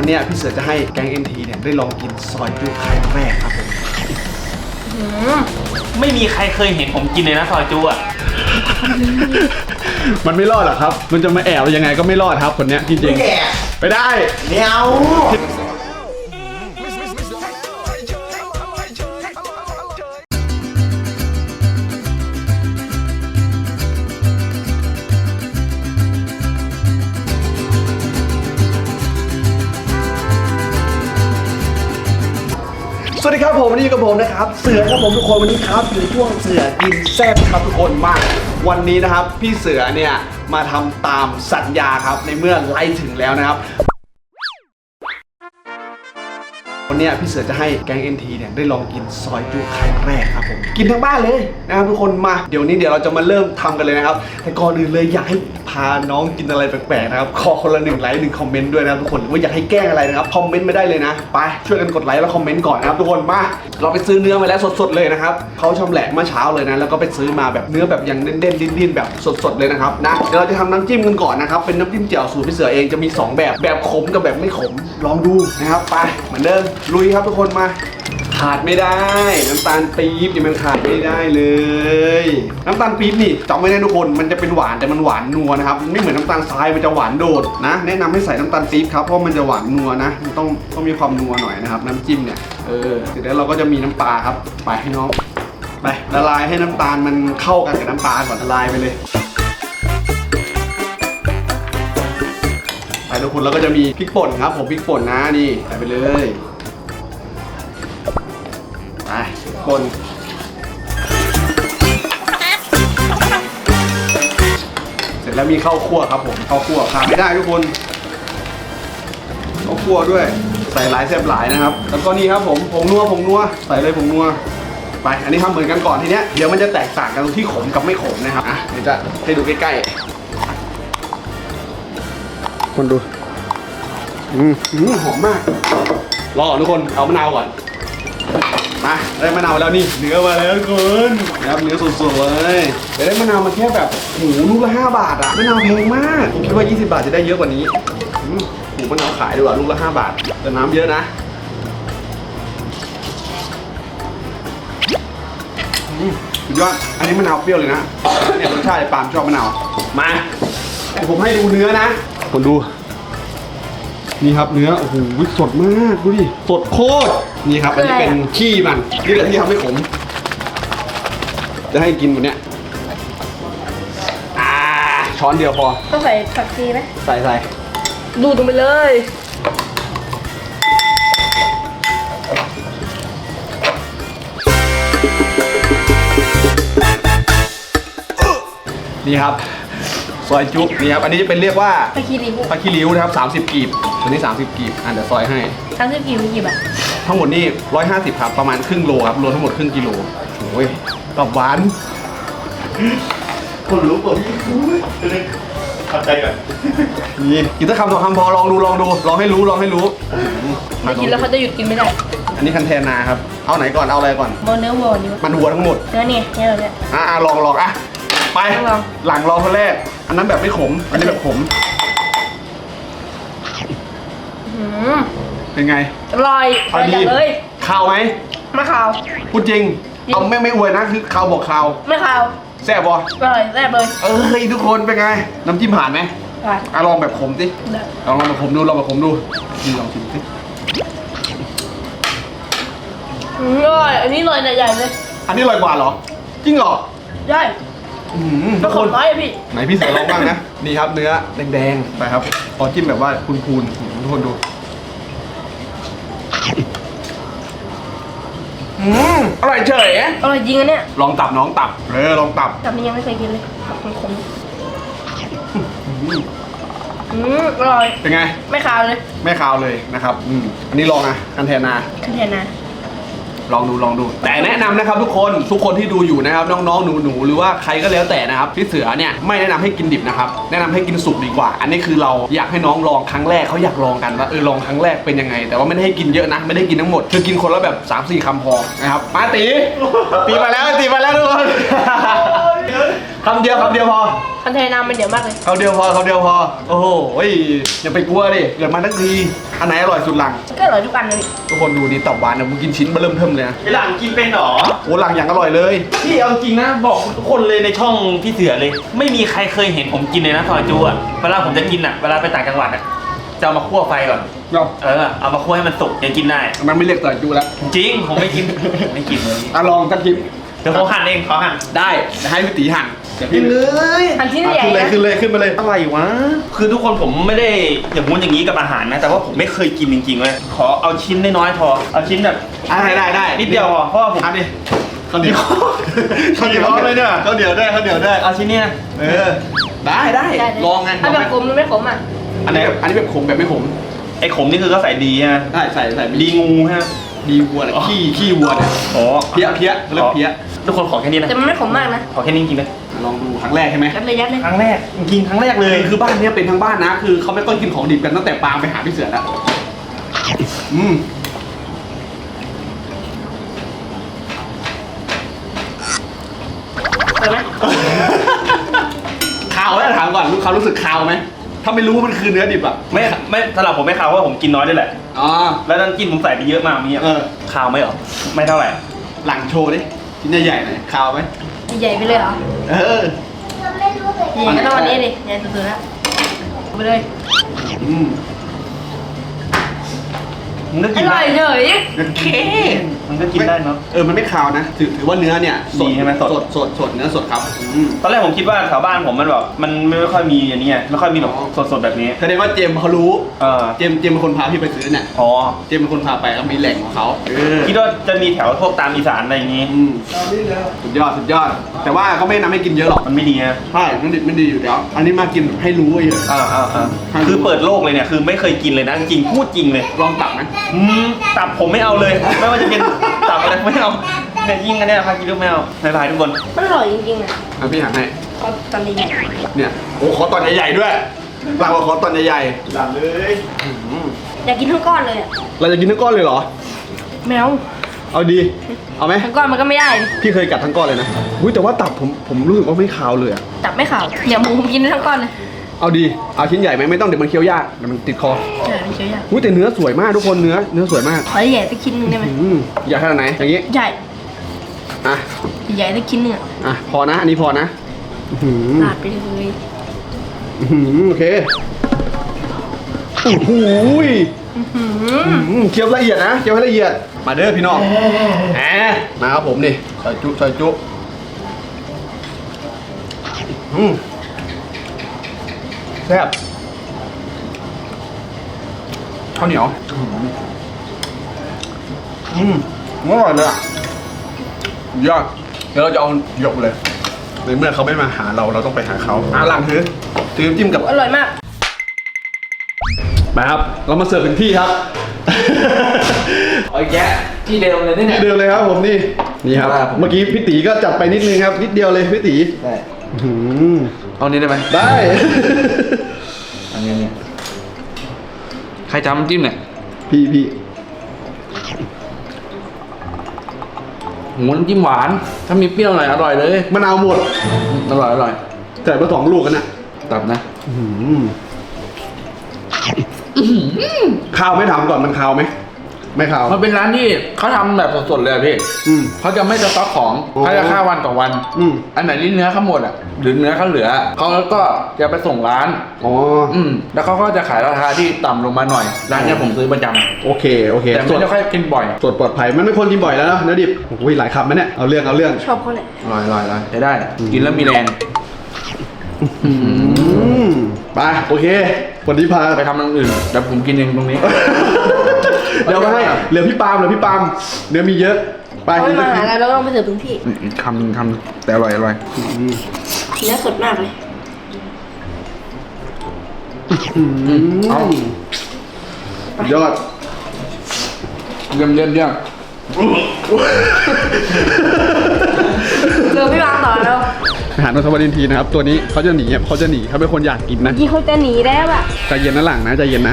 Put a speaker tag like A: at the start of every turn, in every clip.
A: เนี้ยพี่เสือจะให้แก๊ง NT เนี่ยได้ลองกินซอยจุครั้งแรกครับผม
B: ไม่มีใครเคยเห็นผมกินเลยนะซอยจูอ่ะ
A: มันไม่รอดหรอกครับมันจะมาแอบยังไงก็ไม่รอดครับคนเนี้ยจริงๆไปได้
C: เดี๋ยว
A: สวัสดีครับผมวันนี้อยู่กับผมนะครับเสือครับผมทุกคนวันนี้ครับอยู่ในช่วงเสือกินแซ่บครับทุกคนมากวันนี้นะครับพี่เสือเนี่ยมาทำตามสัญญาครับในเมื่อไล่ถึงแล้วนะครับวันนี้พี่เสือจะให้แก๊ง NT เนี่ยได้ลองกินซอยจุครั้งแรกครับผมกินทั้งบ้านเลยนะครับทุกคนมาเดี๋ยวเราจะมาเริ่มทำกันเลยนะครับแต่ก่อนอื่นเลยอยากให้พาน้องกินอะไรแปลกๆนะครับขอคนละ1 ไลค์ 1 คอมเมนต์ด้วยนะครับทุกคนว่าอยากให้แกล้งอะไรนะครับคอมเมนต์ไม่ได้เลยนะไปช่วยกันกดไลค์แล้วคอมเมนต์ก่อนนะครับทุกคนมาเราไปซื้อเนื้อมาแล้วสดๆเลยนะครับเขาชำแหละเมื่อเช้าเลยนะแล้วก็ไปซื้อมาแบบเนื้อแบบยังเด่นๆดิ้นๆแบบสดๆเลยนะครับนะเดี๋ยวเราจะทำน้ำจิ้มกันก่อนนะครับเป็นน้ำจิ้มเจียวสูตรพี่เสือเองจะมี2แบบขมกับแบบไม่ขมลองดูนะครับไปเหมือนเดิมลุยครับทุกคนมาขาดไม่ได้น้ำตาลปี๊บนี่มันขาดไม่ได้เลยน้ำตาลปี๊บนี่จำไว้นะทุกคนมันจะเป็นหวานแต่มันหวานนัวนะครับไม่เหมือนน้ำตาลทรายมันจะหวานโดดนะแนะนำให้ใส่น้ำตาลปี๊บครับเพราะมันจะหวานนัวนะมันต้องมีความนัวหน่อยนะครับน้ำจิ้มเนี่ยเสร็จแล้วเราก็จะมีน้ำปลาครับไปให้น้องไปละลายให้น้ำตาลมันเข้ากันกับน้ำปลาก่อนละลายไปเลยไปทุกคนแล้วก็จะมีพริกป่นครับผมพริกป่นนะนี่ใส่ไปเลยไปคนเสร็จแล้วมีข้าวคั่วครับผมข้าวคั่วขาดไม่ได้ทุกคนข้าวคั่วด้วยใส่หลายแซ่บหลายนะครับแล้วก็นี่ครับผมผงนัวใส่เลยผงนัวไปอันนี้ทำเหมือนกันก่อนทีเนี้ยเดี๋ยวมันจะแตกต่างกันตรงที่ขมกับไม่ขมนะครับเดี๋ยวจะให้ดูใกล้ๆคนดูหอมมากรอก่อนทุกคนเอามะนาวก่อนมาได้มะนาวแล้วนี่เนื้อมาแล้วทุกคนนะครับเนื้อสดๆเลยแต่ได้มะนาวมาแค่แบบลูกละ5 บาทอะมะนาวแพงมากผมคิดว่า20 บาทจะได้เยอะกว่านี้มะนาวขายดีกว่าลูกละ5 บาทแต่น้ำเยอะนะสุดยอดอันนี้มะนาวเปรี้ยวเลยนะเนี่ยรสชาติปาล์มชอบมะนาวมาผมให้ดูเนื้อนะคนดูนี่ครับเนื้อโอ้โหสดมากดูดิสดโคตรนี่ครับอันนี้เป็นขี้มันนี่แหละที่ทำให้ขมจะให้กินวันเนี้ยช้อนเดียวพอ
D: ต้องใส่ผักชีไหม
A: ใส่
D: ดูดลงไปเลย
A: นี่ครับซอยจุ๊บนี่ครับอันนี้จะเป็นเรียกว่า
D: ผักชีริ้ว
A: ผักขี้ริ้วนะครับ30 กีบตัวนี้30 กีบเดี๋ยวซอยให้
D: 30 กีบมีกี่บาท
A: ทั้งหมดนี่150ครับประมาณครึ่งโลครับรวมทั้งหมดครึ่งกิโลโอ้ยกรอบหวานคนรู้ป่ะทำใจก่อนนี่กินสักคำ2 คำพอลองดูลองให้รู้
D: ไม่กินแล้วเขาจะหยุดกินไม่ได้
A: อันนี้คันแทนาครับเอาไหนก่อนเอาอะไรก่อน
D: เนื้อวัวนี่
A: มันหัวทั้งหมด
D: เนื้อเนี่ยเราเนี่ย
A: ลองไปหลังรอคนแรกอันนั้นแบบไม่ขมอันนี้แบบขมเป็นไง
D: อร่อย
A: พอดี
D: เลย
A: ข้าวไหม
D: ไม่ข้าว
A: พูดจริงเอาไม่อวยนะคือข้าวบอกข้าว
D: ไม่ข้าว
A: แซ่บบ่
D: อร่อยแซ่บเลย
A: ทุกคนเป็นไงน้ำจิ้มผ่านไหมผ่านลองแบบขมสิลองแบบขมดูนี่ลองชิมสิ
D: อร่อยอันนี้อร่อยใหญ่เลย
A: อันนี้อร่อยกว่าเหรอจริงเหรอ
D: ใช่
A: ทุกคน
D: น้อยพี่
A: ไหนพี่เสือลองบ้างนะนี่ครับเนื้อแดงๆไปครับพอจิ้มแบบว่าพูนๆทุกคนดูอร่อยเฉย
D: อร่อยจริงอันเนี้ย
A: ลองตับน้องตับลองตับ
D: นี่ยังไม่เคยกินเลยตับขมอร่อย
A: เป็นไง
D: ไม่คาวเลย
A: นะครับอันนี้ลองคันแทนาลองดูแต่แนะนำนะครับทุกคนที่ดูอยู่นะครับน้องๆหนูหรือว่าใครก็แล้วแต่นะครับพี่เสือเนี่ยไม่แนะนำให้กินดิบนะครับแนะนำให้กินสุกดีกว่าอันนี้คือเราอยากให้น้องลองครั้งแรกเขาอยากลองกันว่าลองครั้งแรกเป็นยังไงแต่ว่าไม่ได้ให้กินเยอะนะไม่ได้กินทั้งหมดคือกินคนละแบบ 3-4 คำพอนะครับมาตีมาแล้วทุกคนคำเดียวพอ
D: คันเทน้ำมันเดี๋ยวมากเลย
A: คำเดียวพอโอ้โหอย่าไปกลัวดิเกิดมาทั้งทีอันไหนอร่อยสุดหลัง
D: ก็อร่อยทุกอันเลย
A: ทุกคนดูดิตับหวานเนี่ยมึงกินชิ้นมาเริ่มเทิมเลยนะ
B: ไอหลังกินเป็นหรอ
A: โอ้หลังอย่างอร่อยเลย
B: พี่เอาจริงนะบอกทุกคนเลยในช่องพี่เสือเลย ไม่มีใครเคยเห็นผมกินเลยนะซอยจูอ่ะเวลาผมจะกินอ่ะเวลาไปต่างจังหวัดอ่ะจะเอามาคั่วไฟก่อน
A: เนาะ
B: เอามาคั่วให้มันสุกยังกินได้
A: มันไม่เรียกต่อยจูแล้ว
B: จริงผมไม่กิน ไม่กินเลย
A: ลองสักคลิป
B: เดี๋ยวเขาหั่นเองเขาหั่น
A: ได้จะให้พี่ตีหั่นเดี๋ยวพี่
B: เลย
D: อันที่ใหญ่
A: ขึ้น
D: นะ
A: เลยขึ้นมาเลย
B: อะไรวะคือทุกคนผมไม่ได้อย่างงู้นอย่างนี้กับอาหารนะแต่ว่าผมไม่เคยกินจริงๆเลยขอเอาชิ้นน้อยๆพอเอาชิ้นแบบ
A: ได้
B: นิดเดียวพอเพราะว่าผม
A: อันนี้ข้าวเหนียว
B: ข้าวเหนียวเลยเนี่ย
A: ข้าวเหนียวได้
B: เอาชิ้นเนี้ย
A: ได้ลองไง
D: ถ้าแบบขมหรือไม่ขมอ่ะ
A: อันนี้แบบขมแบบไม่ขม
B: ไอ้ขมนี่คือก็ใส่ดีใช่ไหม
A: ได้ใส่
B: ดีงูฮะ
A: ดีวัวเนี่ยขี้วัวเนี่ย
B: อ๋อ
A: เพี้ยเรียกเพี้ย
B: ทุกคนขอแค่นี้นะ
D: แต่มันไม่ขมมากนะ
B: ขอแค่นี้จริงๆเลย
A: ลองดูครั้งแรกใช่ไหม
D: ยัดเลย
B: ครั้งแรกกินครั้งแรกเลย
A: คือบ้านเนี้ยเป็นทั้งบ้านนะ คือเขาไม่ต้องกินของดิบกันตั้งแต่ปางไปหาพี่เสือแล้ว
D: เห็นไหม
A: คาวไหมถามก่อนเขารู้สึกคาวไหมถ้าไม่รู้ว่ามันคือเนื้อดิบอ่ะ
B: ไม่สำหรับผมไม่คาวเพราะว่าผมกินน้อยด้วยแหละ
A: อ๋อ
B: แล้วน้ำจิ้มผมใส่ไปเยอะมากมี คาวไหมหรอไม่เท่าไหร่
A: หลังโชว์ดิชิ้นใหญ่ๆหน่อยคาวไหม
D: ใหญ่ไปเลยเหรอ
A: เออ
D: ใหญ่ก็ต้องวันนี้ดิใหญ่สุดๆแล้วไปเลย
B: มันก็
D: อ
B: กิน
D: ร่
B: ได้
D: อยเฉย
A: โอเค
B: มันก็กินได้เนาะ
A: มันไม่คาวนะถือว่าเนื้อเนี่ย
B: ดีใช่ไหมสด
A: สดเนื้อสดครับ
B: ตอนแรกผมคิดว่าแถวบ้านผมมันแบบมันไม่ค่อยมีอย่างนี้ไงไม่ค่อยมีแบบสดๆแบบนี้
A: แสดงว่าเจมส์เขารู้
B: เออ
A: เจมส์เป็นคนพาพี่ไปซื้อเนี่ย
B: อ๋อ
A: เจมส์เป็นคนพาไปแล้วมีแหล่งของเขา
B: คิดว่าจะมีแถวพวกตามอีสานอะไรอย่างงี้
A: สุดยอด แต่ว่าก็ไม่แนะนำให้กินเยอะหรอก
B: มันไม่ดีนะ
A: ใช่มันดิบไม่ดีอยู่แล้วอันนี้มากินให้รู้เฉย
B: คือเปิดโลกเลยเนี่ยคือไม่เคยกินเลยนะจริงพูดจริงเลย
A: ลองตักไหม
B: ตับผมไม่เอาเลย ไม่ว่าจะเป็นตับอะไรไม่เอาเนี่ยยิ่งกันเนี่ยพากินลูกไม่เอาบายบายทุกคน
D: มันอร่อยจริงๆนะ
A: พี่หันให้
D: ก็ตอนนี้
A: เนี่ยโอ้ขอตอนใหญ่ๆด้วยเราขอตอนใหญ่ๆหลับเลย
D: อยากกินทั้งก้อนเลยอ่ะ
A: เราจะกินทั้งก้อนเลยเหรอ
D: แมว
A: เอาดีเอาไหม
D: ทั้งก้อนมันก็ไม่ได้
A: พี่เคยกัดทั้งก้อนเลยนะอุ้ยแต่ว่าตับผมรู้สึกว่าไม่คาวเลยอะ
D: จับไม่ข่าวเดี๋ยวหมูผมกินได้ทั้งก้อนเลย
A: เอาดีเอาชิ้นใหญ่ไหมไม่ต้องเดี๋ยวมันเคี้ยวยากเดี๋ยวมันติดคอ
D: ใช่ไม่เชียวยาก
A: อุ้ยแต่เนื้อสวยมากทุกคนเนื้อสวยมาก
D: ขอใหญ่สักชิ้นหนึงได้ไหม
A: ใหญ่ขนาดไหนอย่างงี้
D: ใหญ่
A: อ่ะ
D: ใหญ่สักชิ้นหนึงอ่ะ
A: พอนะอันนี้พอนะอื้อหือ
D: ลาดไปเลย
A: โอเคโอ้โหยเคี้ยวละเอียดนะเคี้ยวให้ละเอียดมาเด้อพี่น้องมาครับผมนี่ซอยจุแซ่บข้าวเหนียวอร่อยเลยอ่ะยอดเดี๋ยวเราจะเอาหยกเลยในเมื่อเขาไม่มาหาเราต้องไปหาเขาหลังถือน้ำจิ้มกับ
D: อร่อยมาก
A: มาครับเรามาเสิร์ฟถึงที่ครับ
C: โอ้ยแกที่เดิมเลยเนี่ย
A: ที่เดิมเลยครับผมนี่ครับ
C: ครับผม
A: เมื่อกี้พี่ตีก็จัดไปนิดนึงครับนิดเดียวเลยพี่ตี
C: ได้
A: อื้อหือ
C: เอานี้ได้ไหม
A: ได้
C: อันนี้เนี่ยใครจำน้ำจิ้มเนี่ย
A: พี่
C: หมูน้ำจิ้มหวาน ถ้ามีเปรี้ยวหน่อยอร่อยเลย
A: มะนาวหมด
C: อร่อย
A: ใส่มา2 ลูกกันน่ะ
C: ตับนะ
A: ข้าวไม่ถามก่อนมันข้าวไหมไม่ข้าว
C: มันเป็นร้านที่เขาทำแบบสดๆเลยอะพี่ เขาจะไม่สต็อกของ
A: อ๋อ
C: เขาจะฆ่าวันต่อวัน อันไหนที่เนื้อเขาหมดอ่ะ หรือเนื้อเขาเหลือ เขาก็จะไปส่งร้าน
A: อ๋อ
C: แล้วเขาก็จะขายราคาที่ต่ำลงมาหน่อย ร้านเนี้ยผมซื้อประจ
A: โอเค
C: ำแต่
A: ส
C: ไม่
A: ด
C: ได้ค่อยกินบ่อย
A: สดปลอดภัยมันไม่ควรกินบ่อยแล้วนะเนื้อดิบโอ้ยหลายคำนะเนี่ยเอาเรื่อง
D: ชอบเขาเนี่ย
C: อร่อยใช้ได้ กินแล้วมีแรง
A: ไปโอเควันนี้พา
C: ไปทำอย่างอื่นแต่ผมกินเองตรงนี้
A: เดี๋ยวมาให้เหลือพี่ปาล์มเนื้อมีเยอะไป
D: เขาไม่มาหาเราแล้วเราไปเสิร์ฟถึงที่
C: คำแต่อร่อย
D: เนื้อสดมากเลย
C: เอา
A: ยอด
C: เยี่ยม
D: เดี๋ยวพี่วางต่อแล้ว
A: อาหารนนทวัฒน์ทีนะครับ ตัวนี้เขาจะหนีเขาเป็นคนอยากกินนะ
D: ยี่เขาจะหนีแล้วอ่ะ
A: ใจเย็นนะหลังนะใจเย็นนะ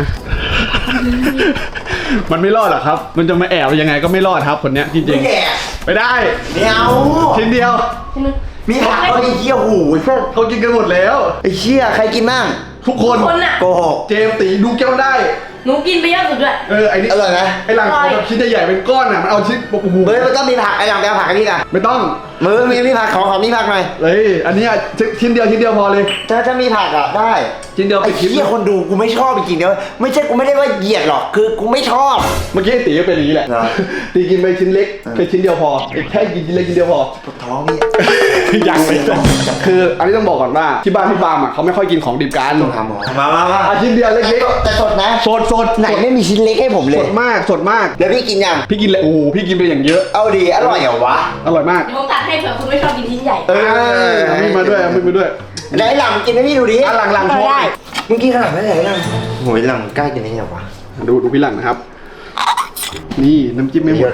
A: มันไม่รอดหรอกครับ มันจะมาแอบยังไงก็ไม่รอดครับคนเนี้ยจริงๆไม่ได้
B: เดี๋ยว
A: ชิ้นเดียว
D: ชิ้นนึง
E: มีผักก็ไอ้เหี้ยหูไอ้พวก
A: เขากินกันหมดแล้ว
E: ไอ้เชี่ยใครกินบ้าง
A: ทุกคน
D: คนอ่ะ
E: โกหก
A: เจมส์ตีดูแก้วได้
D: หนูกินไปเยอะสุดด้วย
A: ไอ้นี่
E: อร่อยไหม
A: ไอ้หลังของแบบชิ้นใหญ่ๆเป็นก้อนอ่ะมันเอาชิ้นโอ้โห
E: เฮ้ยมันต้องมีผักไอ้หลังไปเอาผักกันนี่กัน
A: ไม่ต้อง
E: มือมีผักของมีผักหน่อย
A: เลยอันเนี้ยชิ้นเดียวพอเลย
E: ถ้ามีผักอ่ะได้
A: ชิ้นเดียว
E: ไอ้
A: ปิดคลิป
E: เหี้ยคนดูกูไม่ชอบจริงๆเนอะไม่ใช่กูไม่ได้ว่าเหยียดหรอกคือกูไม่ชอบ
A: เมื่อกี้ไอ้ตีก็เป็นอย่างนี้แหละ
E: เหรอ
A: ตีกินไปชิ้นเล็กเป็นชิ้นเดียวพอแค่กินชิ้นเล็กชิ้นเดียวพอ
E: ปวดท้องนี่
A: ยังไม่ได้คืออันนี้ต้องบอกก่อนว่าที่บ้านพี่บามอ่ะเขาไม่ค่อยกินของดิบกัน
E: ต้องทำหมอมา
A: อาชิ้นเดียวเล็ก
E: แต่สดนะ
A: ๆสด
E: ไหนไม่มีชิ้นเล็กให้ผมเล
A: ส
E: ย
A: ดมากสดมาก
E: แล้วพี่กินยัง
A: พี่กินเลยโอ้โหพี่กินไปอย่างเยอะ
E: เอาดีอร่อยเหรอวะ
A: อร่อยมาก
D: เดี๋ยวผมตัดให้เผื่อคุณไม่ชอบกินชิ้นใหญ่
A: เอามีดมาด้วยเอามีดมาด้วย
E: ไหนหลังกินให้พี่ดูดิ
A: หลังช้อน
E: ได้มึงกินขนาดนั้นเลยหลังโหยหลังกล้ากินได้ไงวะ
A: ดูพี่หลังนะครับ นี่น้ำจิ้มไม่หมด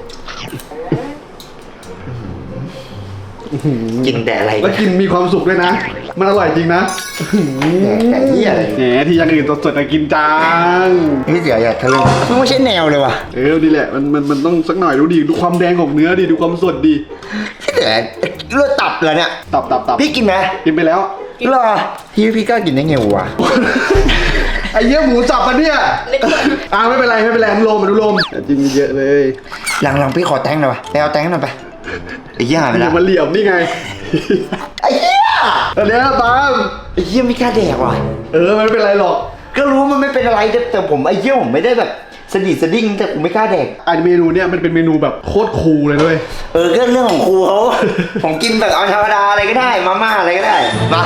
E: กินแต่อะไร
A: แล้วกินมีความสุขด้วยนะ มันอร่อยจริงนะ
E: แต่ที่อะไร
A: แหมที่อยังอื่นสดๆกินจัง
E: พี่เสืออยากทะลึ่งมันไม่ใช่แนวเลยว่ะ
A: ดีแหละมันต้องสักหน่อยดูดิดูความแดงของเนื้อดิดูความสดดิ
E: พี่เสือเลือดตับเลยเนี่ย
A: ตับ
E: พี่กินไหม
A: กินไปแล้ว
E: เหรอพี่กล้ากินได้ไงวะ
A: ไอ้เยี่ยหมูสับปะเนี่ยไม่เป็นไรอนุโลมแต่จิ้มเยอะเลย
E: หลังพี่ขอแตงหน่อยวะไปเอาแตงหน่อยไปไอ้เหี้ยหายไป
A: อ
E: แล้ว
A: ย่ามาเหลี่ยมนี่ไง
E: ไอ้เหี้ย
A: อันเนี้ยตาม
E: ไอ้เหี้ยไม่กล้าแดกว่ะ
A: มันไม่เป็นไรหรอก
E: ก็รู้มันไม่เป็นอะไรแต่ผมไอ้เหี้ยผมไม่ได้แบบสะดิดสะดิ้งแต่ผมไม่กล้าแดก
A: อันเมนูเนี่ยมันเป็นเมนูแบบโคตรคูลเลยด้วย
E: ก็เรื่องของครูเขา ผมกินแบบเอาธรรมดาอะไรก็ได้มาม่าอะไรก็ได้มา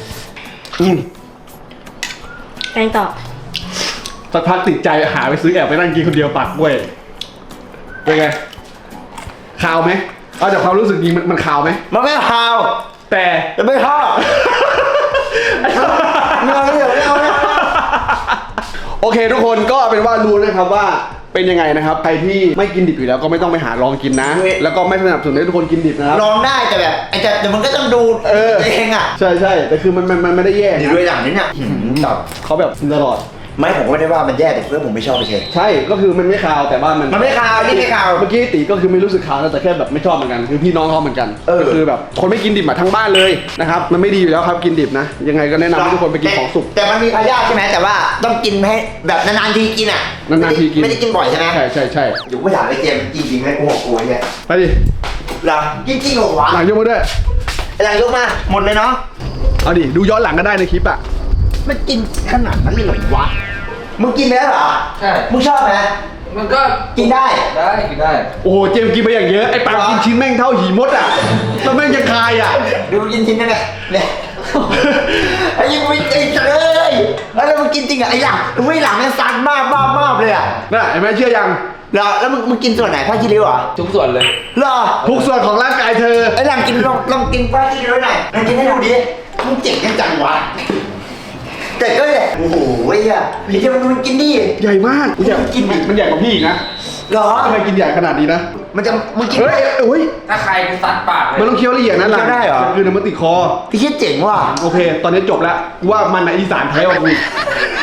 D: แกงต่อ
A: สักพักติดใจหาไปซื้อแอบไปนั่งกินคนเดียวปักกล้วยเป็นไงคาวไหมเอาจากความรู้สึกจริงมันคาวไหม
E: มันไม่ฮาว
A: แต่
E: แต่ไม่ฮาวไม่เอา
A: โอเคทุกคนก็เป็นว่ารู้นะครับว่าเป็นยังไงนะครับใครที่ไม่กินดิบอยู่แล้วก็ไม่ต้องไปหาลองกินนะ แล้วก็ไม่สนับสนุนให้ทุกคนกินดิบนะครับ
E: ลองได้แต่แบบแต่มันก็ต้องดูเองอ่ะ
A: ใช่แต่คือมันไม่ได้แย่
E: ดี
A: นะ
E: ด้วยหลังนี้เนี่ยตับ
A: เขาแบบกินตลอด
E: ไม่ผมก็ไม่ได้ว่ามันแย่แต่เพื่อนผมไม่ชอบไปเฉย
A: ใช่ก็คือมันไม่คาวแต่ว่ามัน
E: ไม่คาวนี่ไม่คาว
A: เมื่อกี้ตีก็คือไม่รู้สึกคาวนะแต่แค่แบบไม่ชอบเหมือนกันคือพี่น้องเขาเหมือนกันก็คือแบบคนไม่กินดิบมาทั้งบ้านเลยนะครับมันไม่ดีอยู่แล้วครับกินดิบนะยังไงก็แนะนำให้ทุกคนไปกินของสุก
E: แต่มันมีพยาธิใช่ไหมแต่ว่าต้องกินให้แบบนานๆทีกินอ่ะ
A: นานๆทีกิน
E: ไม่ได้กินบ่อยใช่ไหม
A: ใช่
E: อยู่ไม่ถามไอ้เจมจริงๆไหมกูบอกกูเนี่ย
A: ไปดิ
E: หลังจริงๆเหรอวะ
A: หลังยกมาด้วย
E: หลังยกมาหมดเลยเนาะ
A: เอาดิดูย้อนหลังก็ได้ในคลิปอ่ะ
E: มันกินขนาดนั้นเลยเหรอวะมึงกินไปแล้วเหรอ
C: ใช่
E: มึงชอบไหม
C: มันก็
E: กินได้
C: กินได้
A: โอ้โหเจมส์กินไปอย่างเยอะไอ้ปากกินชิ้นแม่งเท่าหีมดอ่ะแล้วแม่งจะคายอ่ะ
E: ดูกินจริงนะเนี่ยไอ้ยังไม่ไอ้เลยแล้วมึงกินจริงอ่ะไอ้หลังมึงไม่หลังมันซัดมากเลยอ่ะ
A: น่ะเห็นไหมเชื่อยัง
E: แล้วมึงกินส่วนไหนผ้าคีริ้วเหรอ
C: ทุกส่วนเลย
E: เหรอ
A: ทุกส่วนของร่างกายเธอ
E: ไอ้หลังกินลองกินผ้าคีริ้วหน่อยลองกินให้ดูดิมึงเจ๋งจังวะแต่ก็เนี่ยโอ้โหไอ้เหี้ยไอ้เหี้ยมันกินดิ
A: ใหญ่มากมันใหญ่
E: กินดิ
A: มันใหญ่กว่าพี่อีกนะ
E: เหรอ
A: ทำไมกินใหญ่ขนาดนี้นะ
E: มึงกิน
A: เฮ้ย
C: ถ้าใครกูซัดปากเลย
A: มันต้องเคี้ยวละเอียดนะหลัง
E: เคี้ยวได้เหรอ
A: คือน้ำมันติดคอ
E: ไอ้เหี้ยเจ๋งว่ะ
A: โอเค ตอนนี้จบแล้วว่ามันอะอีสานแท้กว่ากู